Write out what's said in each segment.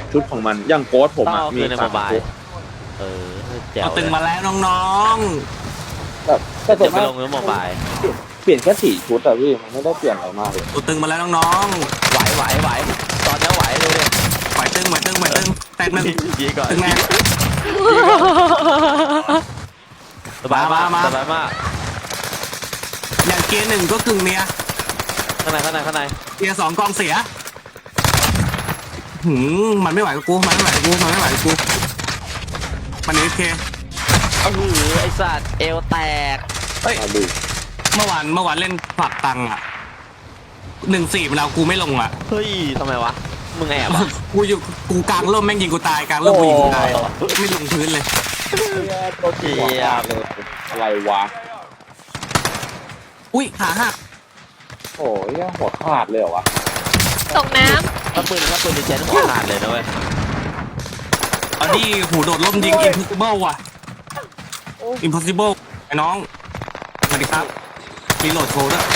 ชุดของมันอย่างโค้ดผมต้องอะเอามีคืนในโมสามบายชุดแจ๋วเอาตึงมาแล้วน้องแบบแต่ส่เดี๋วย นวไปมากลงในโมบายเปลี่ยนแค่4 ชุดอะพี่มันไม่ได้เปลี่ยนอะไรมากเลยๆตัวตึงมาแล้วน้องไหวตอนนี้ไหวดูดิๆไหวตึงแตกหนึ่งยีก่อนตึงแน่สบายมากมาสบายมากอย่างเกียร์หนึ่งก็กึ่งเมียข้างในเกียร์สองกองเสียมันไม่ไหวกับกูมันไม่ไหวกับกูมันโอเคไอสัตว์เอวแตกมาดูเมื่อวานเล่นผลักตังอ่ะ1-4มันเอากูไม่ลงอ่ะเฮ้ยทำไมวะมึงแอบอ่ะกูกลางร่มแม่งยิงกูตายกลางร่มกูยิงกูตายไม่ลงพื้นเลยตัวที่หัวขาดเลยอะไรวะอุ้ยขาหักโอ้ยหัวขาดเลยเหรอวะตกน้ถ้าปืนดิเจนหัวขาดเลยนะเว้ยอันนี้หูโดดร่มยิง impossible ว่ะ impossible ไอ้น้องสวัสดีครับรีโหลดโชว์ด้วย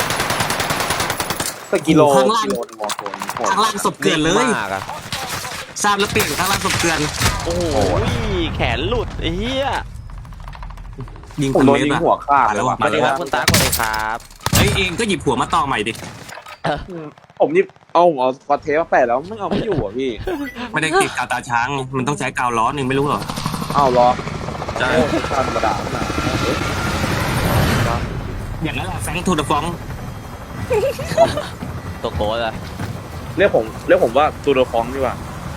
สกิโลข้างล่างกิโลมอโซนข้างล่างศพเกลือนเลยมากอะทราบแล้วเปลี่ยนข้างล่างศพเกลือนโอ้โหแขนหลุดไอ้เหี้ยยิงผมพันโดนเมตยิรง อะหัวขาดเลยว่ะสวัสดีครับคุณตาสวัสดีครับเฮ้ยเองก็หยิบหัวมาต่อใหม่ดิผมนี่เอาสกอตเทปมาแปะแล้วไม่เอาไม่อยู่อ่ะพี่ไม่ได้ติดกาวตาช้าง มันต้องใช้กาวล้อหนึ่งไม่รู้เหรอเอาล้อใช่ธรรมดานะอย่างนั้นแหละแฟงทูเดอะฟองตัวโกดอะเรียกผมว่าตูโดฟองดีกว่า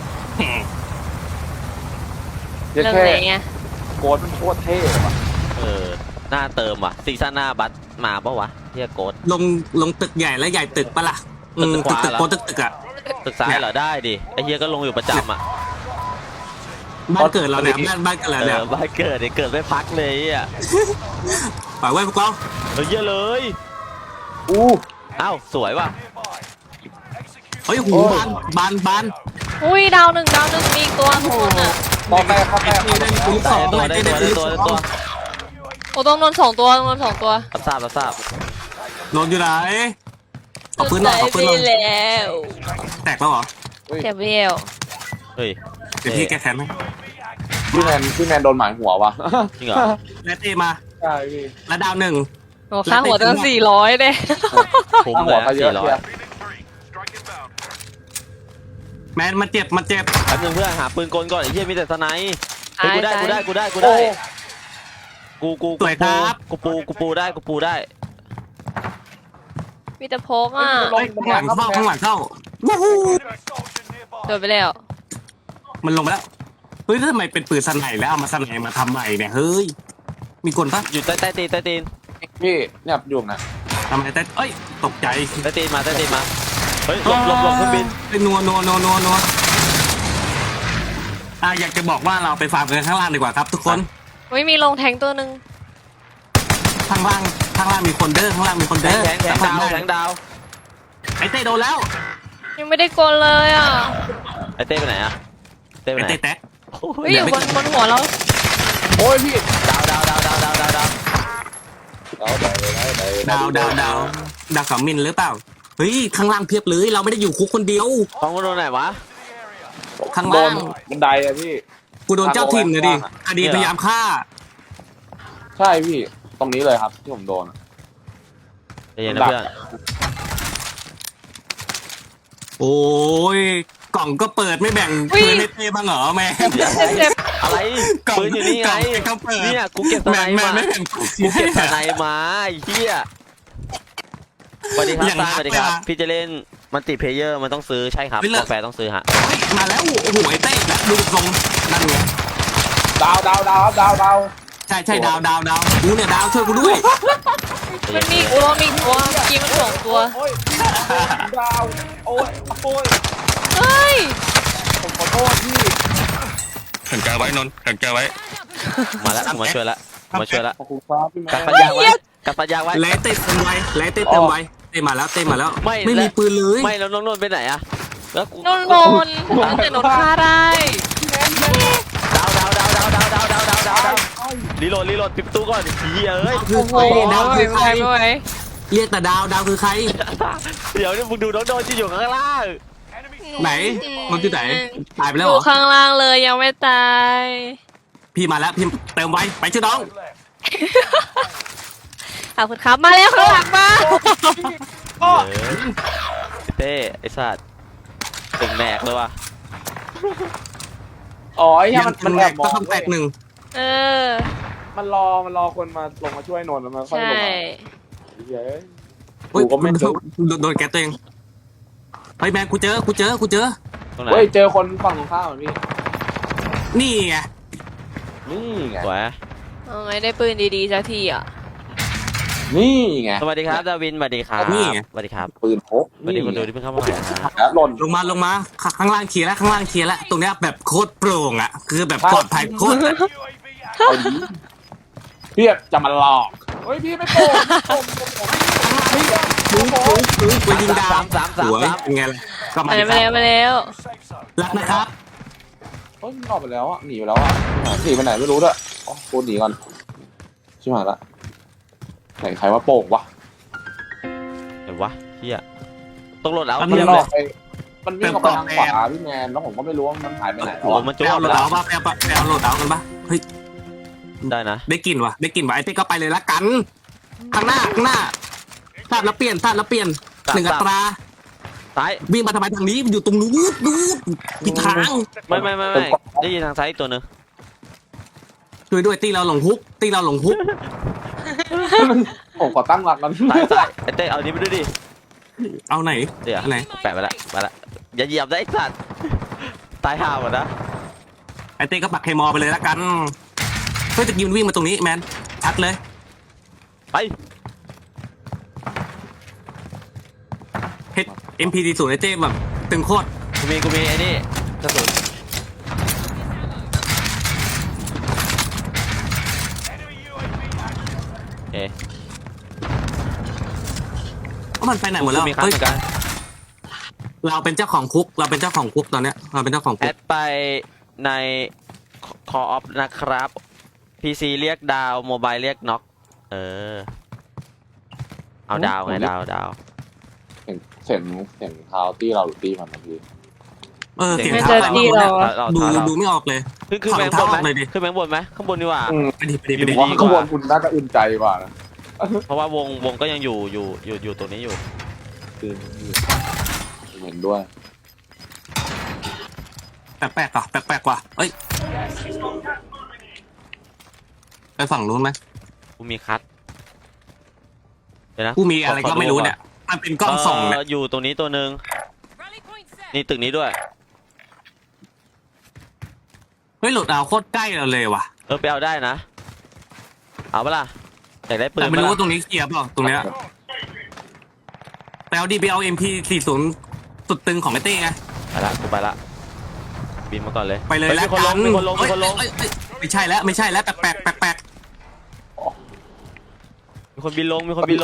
ำเรียกเรื่องแค่ไหนไงโค้ดมันโคตรเท่เลยว่ะหน้าเติมว่ะซีซั่นหน้าบัสมาปะวะเฮียโกดลงตึกใหญ่แล้วใหญ่ตึกปะล่ะตึกขวาตึกเหรอโกตึกอ่ะตึกซ้ายเหรอได้ดิไอเฮียก็ลงอยู่ประจำอ่ะบ้านเกิดเราเนี่ยบ้านเกิดเราเนี่ยบ้านเกิดเนี่ยเกิดไม่พักเลยอ่ะปล่อยไว้พวกเราเยอะเลยอู้อ้าวสวยว่ะเฮ้ยหูบานอุ้ยดาวหนึ่งมีอีกตัวทุกคนอ่ะต่อไปครับไอ้ที่เล่นปืนสได้องตัวได้ตัวได้ตัวได้ตัวโอ้ต้องโดน2 ตัวต้องโดน2 ตัวรับทราบโดนอยู่ไหนเอาปืนหน่อยไปเอาปืนหน่อยแล้วแตกแล้วเหรอเจ็บเวลเฮ้ยเดี๋ยวพี่แกแค้นไหมพี่แมนโดนหมายหัวว่ะจริงเหรอแล้วเต้มาใช่พี่แล้วดาวหนึ่งโอ้ค่าหัวตั้ง400เลยคุ้มตั้งเลหัวย ก็เยอะ 400 เชียวแมนมันเจ็บแป๊บนึงเพื่อนหาปืนกลก่อนไอ้เหี้ยมีแต่สไนป์เฮ้ยกูได้กูปูได้มีแต่พกอ่ะเฮ้ยข้างหลังเข้าวู้ฮู้โดนไปแล้วมันลงไปแล้วเฮ้ยทำไมเป็นปืนสไนแล้วเอามาสไนมาทำใหม่เนี่ยเฮ้ยมีคนปะอยู่ใต้ตีนพี่เนี่ยอยู่นะทำไมแต่เอ้ยตกใจใต้ตีนมาเฮ้ยหลบเครื่องบินนัวอยากจะบอกว่าเราไปฟาร์มกันข้างล่างดีกว่าครับ ทุกคนไม่มีลงแทงตัวหนึ่งข้างล่างมีคนเด้อข้างล่างมีคนเด้อแทงดาวไอ้เต้โดนแล้วยังไม่ได้กดเลยอ่ะไอเต้ไปไหนอะเต้ไปไอ้ไหนเต้แตกเฮ้ยอยู่บนหัวเราโอ้ยพี่ดาวดาวสามมิลหรือเปล่าเฮ้ยข้างล่างเพียบเลยเราไม่ได้อยู่คุกคนเดียวท้องมันโดนไหนวะข้างโดล่าน งบันไดอะพี่กูโดนเจ้าถิ่นนะดิคดีพยายามฆ่าใช่พี่ตรงนี้เลยครับที่ผมโดนใจเย็นนะเพื่อนโอ้ยกล่องก็เปิดไม่แบ่งปืนให้เต้บ้างเหรอแม่เจ็บอะไรกล่องปืนอยู่นี่ไงกล่องเปิดเนี่ยกูเก็บสไนแม่มาไม่แบ่งปืนกูเก็บสไนมาไอ้เหี้ยสวัสดีครับอย่างนั้นสวัสดีครับเลยอะพี่จะเล่นมันติเพเยอร์มันต้องซื้อใช่ครับไม่เลิกกาแฟต้องซื้อฮะเฮ้ยมาแล้วโอ้โหไอ้เต้แบบดูทรงนั่นไงดาวใช่ดาวกูเนี่ยดาวช่วยกูด้วยมันมีอีกตัวเมื่อกี้มัน2 ตัวโอ้ยดาวโอ้ยเฮ้ยผมขอโทษพี่ขันแกไว้นนท์ขันแกไว้มาแล้วมาช่วยแล้วขอบคุณครับพี่แมกัดนปัญญาไว้กัดปัญญาไว้และเต้เต็มไว้เต้มาแล้วไม่มีปืนเลยไม่แล้วน้องนนท์ไปไหนอะแล้วกูนนแต่นนฆ่าได้ดาวรีโหลดปิดประตูก่อนเหี้ยเอ้ยคือโอ้ใคโหรดาวคือใครไม่ไหวเรียกแต่ดาวคือใครเดี๋ยวนี่มึงดูน้องโดนที่อยู่ข้างล่างไหนมันที่ไหนตายไปอแล้วเหรยู่อข้างล่างเลยยังไม่ตายพี่มาแล้วพี่เติมไว้ไปชื่อน้องขอบคุณครับมาแล้วข้างหลังมาเออเต้ไอ้สัตว์ตึงแหนกเลยว่ะอ๋อไอ้เหี้ยมันแอบมก็องต้องแตกหนึ่งเออมันรอคนมาลงมาช่วยนนท์แล้วมันค่อยใช่ลงมาเฮ้ยเฮ้ยกูก็ไม่รู้โดนแกตัวเองเฮ้ยแมนกูเจอตรงไหนเฮ้ยเจอคนฝั่งตรงข้ามอ่ะพี่นี่ไงนี่ไงสวยเอาไงได้ปืนดีๆสักทีอ่ะนี่ไงสวัสดีครับดาวินสวัสดีครับสวัสดีครับปืนพกสวัสดีคนดูที่เพิ่งเข้ามาใหม่นะฮะแล้วหล่นลงมาข้างล่างเคลียร์แล้วข้างล่างเคลียร์แล้วตรงเนี้ยแบบโคตรโปร่งอ่ะคือแบบปลอดภัยโคตรเอาดีพี่จะมาหลอกเฮ้ยพี่ไม่โกงพี่กูยิงดาวสามหัวเป็นไงล่ะก็มามาแล้วมาแล้วรักนะครับเฮ้ยมันออกไปแล้วอ่ะหนีไปแล้วอ่ะหนีไปไหนไม่รู้ด้วยอ๋อกูหนีก่อนชิบหายละไหนใครว่าโป่งวะเดี๋ยววะเฮียต้องโหลดเอามันเทียบหลเลอย กไปมันวิ่งออกไปทางขวาพี่แมนแล้วผมก็ไม่รู้ว่ามันหายไปไหนแล้วโอ้อะมันไปจุ๊บเอาโหลดแล้เอาวป่ะไปเอาโหลดเอากันป่ะเฮ้ยได้นะได้กลิ่นวะไอ้เต้ก็ไปเลยละกันข้างหน้าพลาดแล้วเปลี่ยนหนึ่งอัตราซ้ายวิ่งมาทำไมทางนี้อยู่ตรงนู้นผิดทางไม่ได้ยินทางซ้ายอีกตัวหนึงช่วยด้วยตีเราหลงฮุกผมขอตั้งหลักกันซ้ายไอ้เต้เอานี้ไปด้วยดิเอาไหนเดี๋ยวอันไหนแปะไปละอย่าเหยียบได้ไอ้สัตว์ตายห่าหมดนะไอเต้ก็ปักเคมอลไปเลยละกันเพื่อจะยิงวิ่งมาตรงนี้แมนชัดเลยไป MP40 ไอเต้แบบตึงโคตรกูมีไอ้นี่กระสุนเอ๊ะว่ามันไปไหนหมดแล้วมีคันเฮ้ยเหมือนกันเราเป็นเจ้าของคุกตอนเนี้ยเราเป็นเจ้าของแอคุกดไปในคออฟนะครับ PC เรียกดาวโมบายเรียกน็อกเออเอาดาวไงดาวเสียงเท้าตี้เราหรือตี้มันนะพี่เสียงไม่เท้าเจอไปที่หมดเราเนี่ยเราดูไม่ออกเลยขึ้นแบงค์บนไหมขึ้นแบงค์บนไหมข้างบนดีกว่าไปดิอยู่ว่าดีกว่าข้างบนคุณน่าจะอุ่นใจกว่านะเพราะว่าวงก็ยังอยู่ตรงนี้อยู่คือเห็นด้วยแปลกๆว่ะเอ้ยไปฝั่งนู้นไหมกูมีคัทเดี๋ยวนะกูมีอะไรก็ไม่รู้เนี่ยมันเป็นกล้องส่องเนี่ยอยู่ตรงนี้ตัวหนึ่งนี่ตึกนี้ด้วยเฮ้ยโหลดเอาโคตรใกล้เราเลยว่ะไปเอาได้นะเอาปะล่ะอยากได้ปืนแต่ไม่ปะรู้ล่ะว่าตรงนี้เคลียร์เปล่าตรงเนี้ยไปเอา MP40 สุดตึงของไอเต้ไงกูไปละบินมาก่อนเลยไปเลยแล้วมีคนลงมีคนลงเอ้ยไม่ใช่แล้วแปลกมีคนบินลง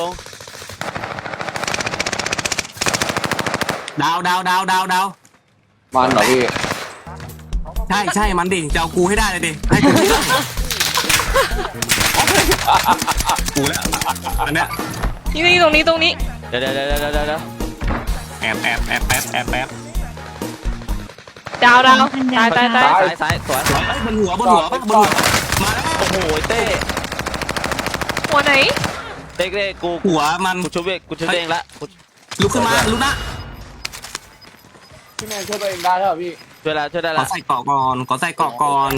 ดาวมันเหรอพี่ใช่มันดิจะเอากูให้ได้เลยดิให้กูให้ได้กูแล้วอันเนี้ยนี่ตรงนี้เดี๋ยวแอบดาวตายซ้ายสวยเอ้ยบนหัวมาแล้วโอ้โหเต้หัวไหนเต้กูหัวมันกูชุบเองละลุกขึ้นมาลุกนะพี่แมนช่วยตัวเองได้ใช่ไหมพี่ช่วยได้ขอละใส่เกาะก่อน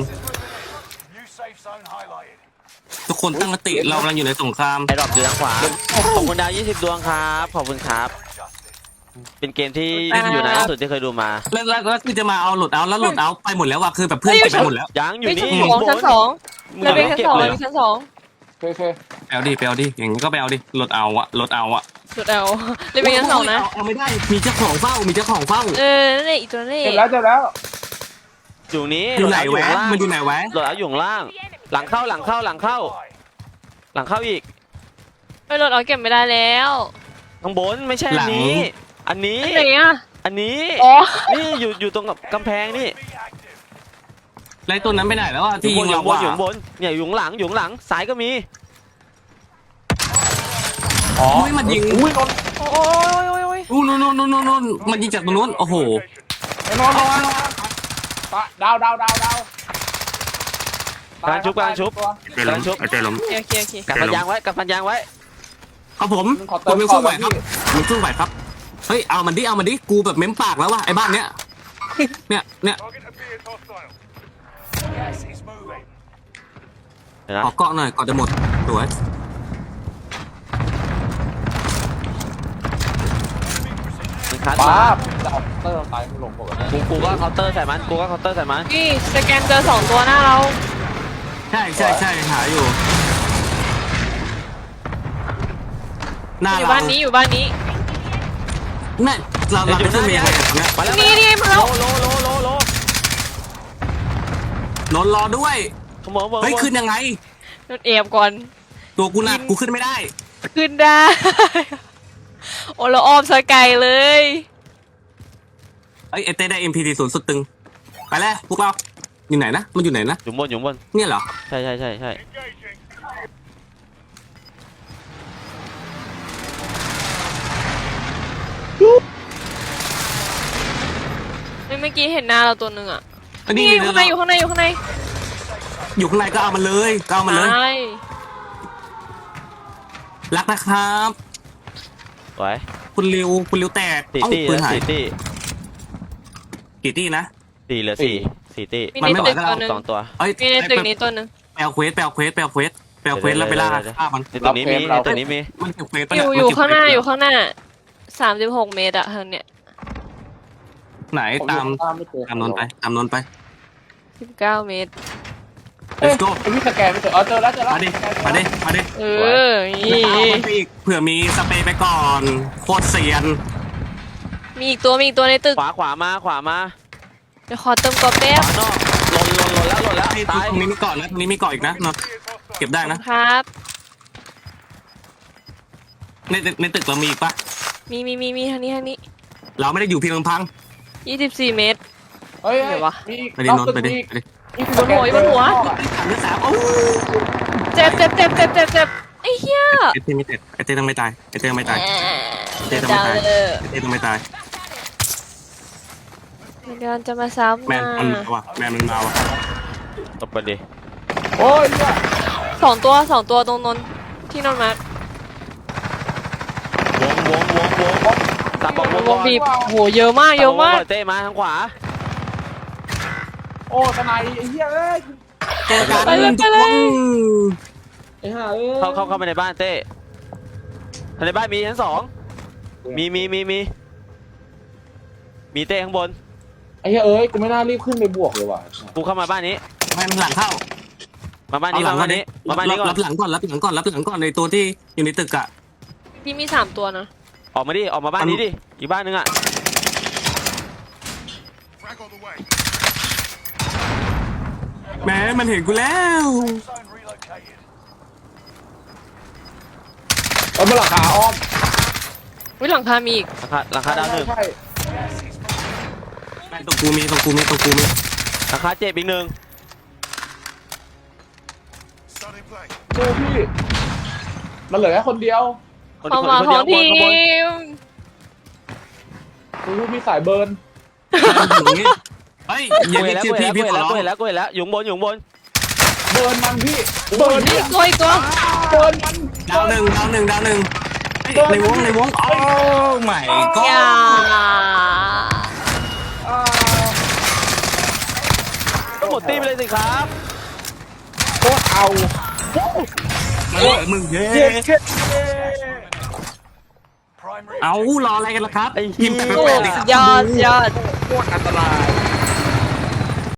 ทุกคนตั้งสติเรากำลังอยู่ในสงครามไอ้ดรอปอยู่ทางขวาขอบคุณดาว20 ดวงครับขอบคุณครับ เป็นเกมที่อยู่ในที่สุดที่เคยดูมาแล้วคือจะมาเอาหลุดเอาแล้วหลุดเอาไปหมดแล้วว่ะคือแบบเพื่อนเก็บไปหมดแล้วยังอยู่ไม่นี่ชั้นสองเราเป็นชั้นสองเราเป็นชั้นสองโอเคไปเอาดิอย่างนี้ก็ไปเอาดิหลุดเอาอะสุดเอาเราเป็นชั้นสองนะเอาไม่ได้มีเจ้าของเฝ้านั่นแหละอีตัวนี้เจ็บแล้วอยู่นี้อยู่ไหนแวะมันอยู่ไหนแวะโหลดเอาอยู่ข้างล่าง หลังเข้าอีกไม่รถเอาเก็บไม่ได้แล้วข้างบนไม่ใช่อันนี้อันไหนอ่ะอันนี้อ๋อนี่อยู่ตรงกับกำแพงนี่ไรตัวนั้นไปไหนแล้วอะที่ยิงเราอยู่ข้างบนเนี่ยอยู่ข้างหลังซ้ายก็มีอ๋อมันยิงอุ้ยนนโอ้ยนู่นมันยิงจากตรงนู้นโอ้โหไอ้นอนดาวกำลังชุบไอ้เจล้มไอ้เจล้มโอเคโอเคกับฟันยางไว้กับฟันยางไว้ครับผมผมยังสู้ไหวครับผมสู้ไหวครับเฮ้ยเอามันดิกูแบบเม้มปากแล้วว่ะไอ้บ้านเนี้ยเนี่ยเดี๋ยวนะขอเกาะหน่อยก่อนจะหมดสวยมันคัดป้ามาจะเอาเตอร์ตายไม่ลงปกติกูก็เคาน์เตอร์ใส่มันกูก็เคาน์เตอร์ใส่มันนี่สแกนเจอ2ตัวหน้าเราใช่หาอยู่หน้าอยู่เราบ้านนี้อยู่บ้านนี้นั่นเราเป็นเพื่อนเมียกันเนี่ยมาแล้วนี่มาแล้วโลนนรอด้วยขโมยเฮ้ยขึ้นยังไงโดนเอฟก่อนตัวกูหนักกูขึ้นไม่ได้ขึ้นได้ โอ้เราอ้อมสกายเลยเอ้ยไอเต้ได้ MP40 สุดตึงไปแล้วพวกเราอยู่ไหนนะมันอยู่ไหนนะอยู่บนเนี่ยเหรอใช่เมื่อกี้เห็นหน้าเราตัวหนึ่งอ่ะอันนี้นี่อยู่ข้างในอยู่ข้างในอยู่ข้างในอยู่ข้างในก็เอามันเลยใช่รักนะครับไว้คุณริวแตกสี่เอ้าตี้ปืนหายสี่ตี้กี่ตี้นะ 4เหลือ4ตี้มีมันในไม่ไหวตึกก็ตัวเอาหนึ่ง 2ตัวเอ้ยมีในตึกนี้ตัวหนึ่งไปเอาเควสแล้วไปล่าฆ่ามันในตัวนี้มีในตัวนี้มีมันเก็บเควสไปอยู่ข้างหน้าอยู่ข้างหน้า36 เมตรอะเธอเนี่ยไหนตามไม่เจอตามนนไป 19 เมตรเอ้ย let's go ไอ้พี่สแกนไม่เจอเจอแล้วมาดิเออนี่เอามันไปอีกเผื่อมีสเปรย์ไปก่อนโคตรเซียนมีอีกตัวในตึกขวามาเดี๋ยวขอเติมกรอบแป๊บขวานอกหล่นแล้วไอ้ตายตรงนี้มีเกาะนะตรงนี้มีเกาะอีกนะนนเก็บได้นะครับ ในตึกเรามีอีกปะมีทางนี้เราไม่ได้อยู่เพียงลำพัง 24 เมตรเฮ้ยไหนวะมีไปดินนไปดิบนหัวบนหัวถามเรื่องสาวโอ้เจ็บไอ้เหี้ยไอเต้ไม่ตายไอเต้ต้องไม่ตายไอเต้ต้องไม่ตายเดี๋ยวดาวเลยไอเต้ต้องไม่ตายเดี๋ยวจะมาซ้ำแมนนะมันมาว่ะแมนมันมาว่ะตบไปดิโอ้ยเนี่ยสองตัวตรงนนที่นนมาวงตับบอกวงบีบโหเยอะมากเต้มาทางขวาโอ้ทนายไอ้เหี้ยเอ้ยเจอกันไปเลยทุกคนไอ้ห่าเอ้ยเข้าไปในบ้านเต้ในบ้านมีชั้น2มีเต้ข้างบนไอ้เหี้ยเอ้ยกูไม่น่ารีบขึ้นไปบวกเลยว่ะกูเข้ามาบ้านนี้แมนหลังเข้ามาบ้านนี้ก่อนรับหลังก่อนในตัวที่อยู่ในตึกอะพี่มี3ตัวนะออกมาบ้านนี้ดิอีกบ้านนึงอ่ะแม้มันเห็นกูแล้วเอามาหลังขาอ้อมวิหลังคามีอีกราคาดาวหนึ่งใช่แมนตรงกูมีราคาเจ็บอีกหนึ่งเจอพี่มันเหลือแค่คนเดียวความหวังของทีมกูรู้พี่สายเบิร์นเฮ้ยอกูย่าเห็เรียนกแล้วชื่อพี่ขอร้องกูเห็นแล้วอยู่บนเบิร์นมันพี่เบิร์นอีเนี่ยกตัวเบิร์นมันดาวหนึ่งในวงโอ้ไม่ก็อย่าก็หมดตีไปเลยสิครับโคตรเอามึงเย้เย้เย้เอารออะไรกันล่ะครับไอ้เหี้ยยิ้มแปลกๆดิครับยอดโคตรอันตราย